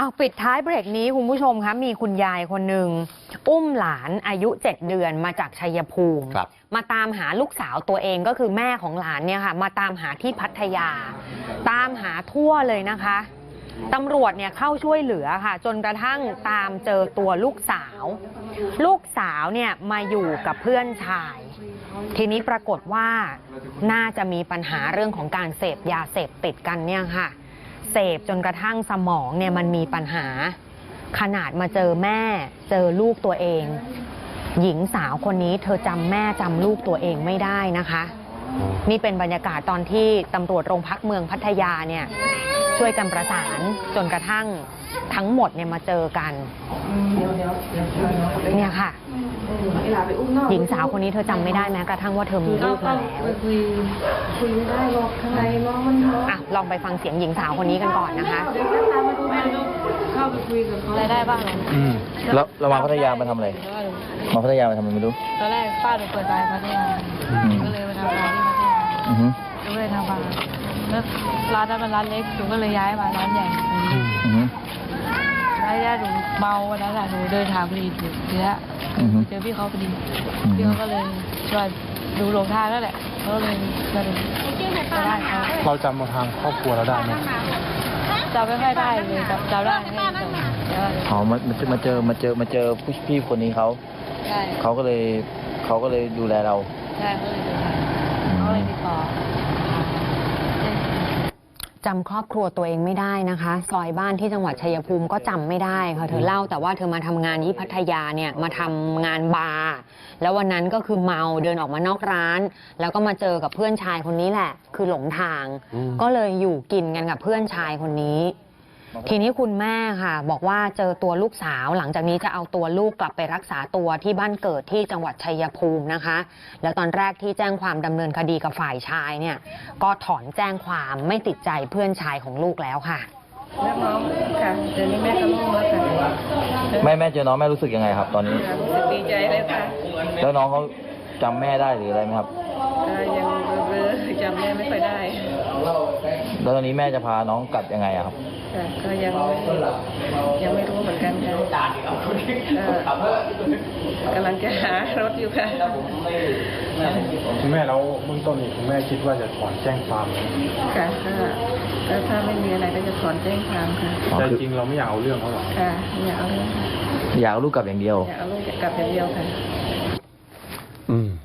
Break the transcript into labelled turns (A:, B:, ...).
A: ปิดท้ายเบรกนี้คุณผู้ชมคะมีคุณยายคนหนึ่งอุ้มหลานอายุ7 เดือนมาจากชัยภูมิมาตามหาลูกสาวตัวเองก็คือแม่ของหลานเนี่ยค่ะมาตามหาที่พัทยาตามหาทั่วเลยนะคะตำรวจเนี่ยเข้าช่วยเหลือค่ะจนกระทั่งตามเจอตัวลูกสาวเนี่ยมาอยู่กับเพื่อนชายทีนี้ปรากฏว่าน่าจะมีปัญหาเรื่องของการเสพยาเสพติดกันเนี่ยค่ะเสพจนกระทั่งสมองเนี่ยมันมีปัญหาขนาดมาเจอแม่เจอลูกตัวเองหญิงสาวคนนี้เธอจำแม่จำลูกตัวเองไม่ได้นะคะนี่เป็นบรรยากาศตอนที่ตำรวจโรงพักเมืองพัทยาเนี่ยช่วยกันประสานจนกระทั่งทั้งหมดเนี่ยมาเจอกันเนี่ยค่ะหญิงสาวคนนี้เธอจำไม่ได้แม้กระทั่งว่าเธอมีลูกมาแล้วคุยไม่ได้หรอกข้างในน้องมันท้องลองไปฟังเสียงหญิงสาวคนนี้กันก่อนนะคะ
B: เข้าไปคุยกับเขาได้บ้าง
C: แล้วเรามาพัทยามาทำอะไรมาพัทยามาทำอะไรไม่รู้
B: ตอนแรกป้าหนูเปิดร้านพัทยาก็เลยมาทำร้านที่พัทยาก็เลยทำบาร์แล้วร้านนั้นเป็นร้านเล็กหนูก็เลยย้ายมาร้านใหญ่แล้วหนูเมาวันนั้นหนูเดินทางพอดีเจอพี่เขาพอดีพี่เขาก็เลยชวนดูหลงทางแล้วแหละเขาเลยมาดูได้
D: เราจำมาทางครอบครัวเราได้ไหม
B: จำไม่ค่อยได้เลยจำได้
C: อ๋อมาเจอพี่คนนี้เขาก็เลยดูแลเรา
B: ใช่เขาเลยติดต่อ
A: จำครอบครัวตัวเองไม่ได้นะคะซอยบ้านที่จังหวัดชัยภูมิก็จำไม่ได้ค่ะเธอเล่าแต่ว่าเธอมาทำงานที่พัทยาเนี่ยมาทำงานบาร์แล้ววันนั้นก็คือเมาเดินออกมานอกร้านแล้วก็มาเจอกับเพื่อนชายคนนี้แหละคือหลงทางก็เลยอยู่กินกันกับเพื่อนชายคนนี้ทีนี้คุณแม่ค่ะบอกว่าเจอตัวลูกสาวหลังจากนี้จะเอาตัวลูกกลับไปรักษาตัวที่บ้านเกิดที่จังหวัดชัยภูมินะคะแล้วตอนแรกที่แจ้งความดำเนินคดีกับฝ่ายชายเนี่ยก็ถอนแจ้งความไม่ติดใจเพื่อนชายของลูกแล้วค่ะ
B: แล้วน้องค่ะเดี๋ยวนี้แม่ก็โล่งแล้วค่ะ
C: แม่เจอน้องแม่รู้สึกยังไงครับตอนนี้
B: ดีใจเลยค่ะ
C: แล้วน้องเขาจำแม่ได้หรืออะไรไหมครับ
B: ยังเบลอจำแม่ไม่ค่อยได้
C: แล้วตอนนี้แม่จะพาน้องกลับยังไงครับ
B: ก็ยังไม่รู้เหมือนกันค่ะกำลังจะหารถอยู่ค่ะ
D: คุณแม่แล้วเบื้องต้นคุณแม่คิดว่าจะถอนแจ้งความ
B: ค่ะก็ถ้าไม่มีอะไรก็จะถอนแจ้งความค่ะ
D: แต่จริงเราไม่อยากเอาเรื่องเขาหรอก
B: ค่ะไม่อยากเอาเรื่อง
C: อยากเอาลูกกลับอย่างเดียว
B: อยากเอาลูกกลับอย่างเดียวค่ะ